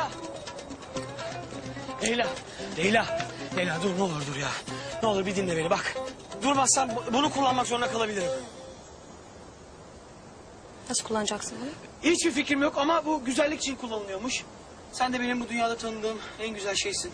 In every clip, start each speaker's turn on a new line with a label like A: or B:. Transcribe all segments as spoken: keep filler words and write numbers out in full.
A: Leyla. Leyla. Leyla. Leyla dur ne olur dur ya. Ne olur bir dinle beni bak. Durmazsan bunu kullanmak zorunda kalabilirim.
B: Nasıl kullanacaksın bunu?
A: Hiçbir fikrim yok ama bu güzellik için kullanılıyormuş. Sen de benim bu dünyada tanıdığım en güzel şeysin.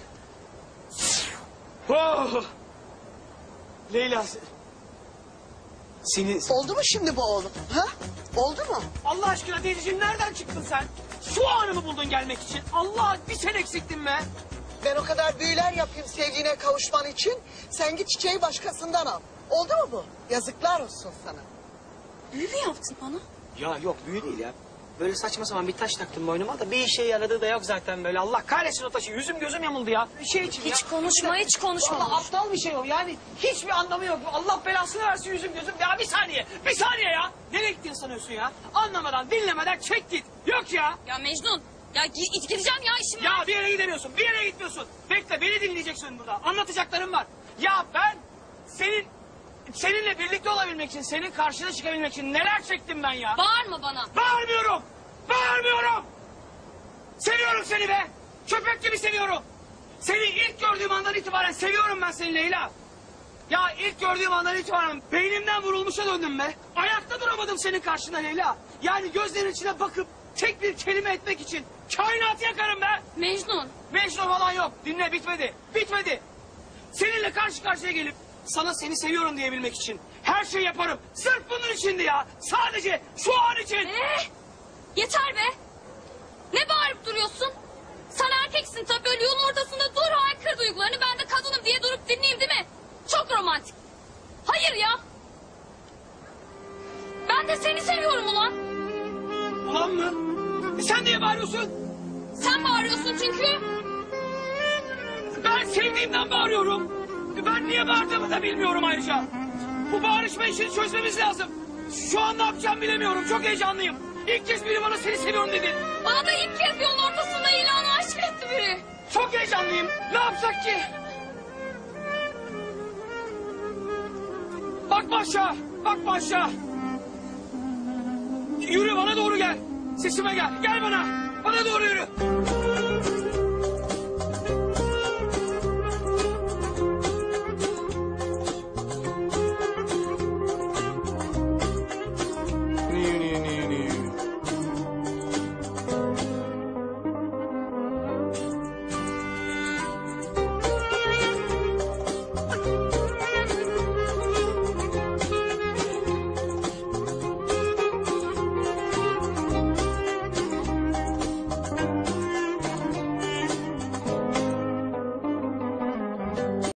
A: Oh! Leyla. Seni...
C: Oldu mu şimdi bu oğlum? Ha? Oldu mu?
A: Allah aşkına teyzeciğim nereden çıktın sen? Şu anı mı buldun gelmek için? Allah bir sen eksiktin be.
C: Ben o kadar büyüler yapayım sevgiline kavuşman için. Sen git çiçeği başkasından al. Oldu mu bu? Yazıklar olsun sana.
B: Büyü mü yaptın bana?
A: Ya yok büyü değil ya. Böyle saçma sapan bir taş taktım boynuma da bir işe yaradığı da yok zaten böyle. Allah kahretsin o taşı. Yüzüm gözüm yamuldu ya. Şey için
B: Hiç
A: ya.
B: konuşma, hiç konuşma.
A: Vallahi aptal bir şey o yani. Hiçbir anlamı yok. Allah belasını versin yüzüm gözüm. Ya bir saniye. Bir saniye ya. Nereye gittin sanıyorsun ya? Anlamadan dinlemeden çek git. Yok ya.
B: Ya Mecnun, ya gi- gideceğim ya işim
A: Ya
B: var.
A: bir yere gidemiyorsun. Bir yere gitmiyorsun. Bekle beni dinleyeceksin burada. Anlatacaklarım var. Ya ben senin... Seninle birlikte olabilmek için, senin karşına çıkabilmek için neler çektim ben ya?
B: Bağırma bana.
A: Bağırmıyorum! Bağırmıyorum! Seviyorum seni be! Köpek gibi seviyorum! Seni ilk gördüğüm andan itibaren seviyorum ben seni Leyla! Ya ilk gördüğüm andan itibaren beynimden vurulmuşa döndüm be! Ayakta duramadım senin karşında Leyla! Yani gözlerin içine bakıp tek bir kelime etmek için kainatı yakarım be!
B: Mecnun.
A: Mecnun falan yok. Dinle bitmedi. Bitmedi. Seninle karşı karşıya gelip sana seni seviyorum diyebilmek için her şeyi yaparım. Sırf bunun içindi ya. Sadece şu an için.
B: Ee, yeter be. Ne bağırıp duruyorsun? Sen erkeksin tabii böyle yolun ortasında dur haykır duygularını. Ben de kadınım diye durup dinleyeyim değil mi? Çok romantik. Hayır ya. Ben de seni seviyorum ulan.
A: Ulan mı? E sen niye bağırıyorsun?
B: Sen bağırıyorsun çünkü.
A: Ben sevdiğimden bağırıyorum. Ben niye bağırdığımı da bilmiyorum ayrıca. Bu bağırışma işini çözmemiz lazım. Şu an ne yapacağımı bilemiyorum. Çok heyecanlıyım. İlk kez biri bana seni seviyorum dedi.
B: Bana da ilk kez yolun ortasında ilanı aşk etti biri.
A: Çok heyecanlıyım. Ne yapsak ki? Bakma aşağı. Bakma aşağı. Yürü bana doğru gel. Sesime gel. Gel bana. Bana doğru yürü.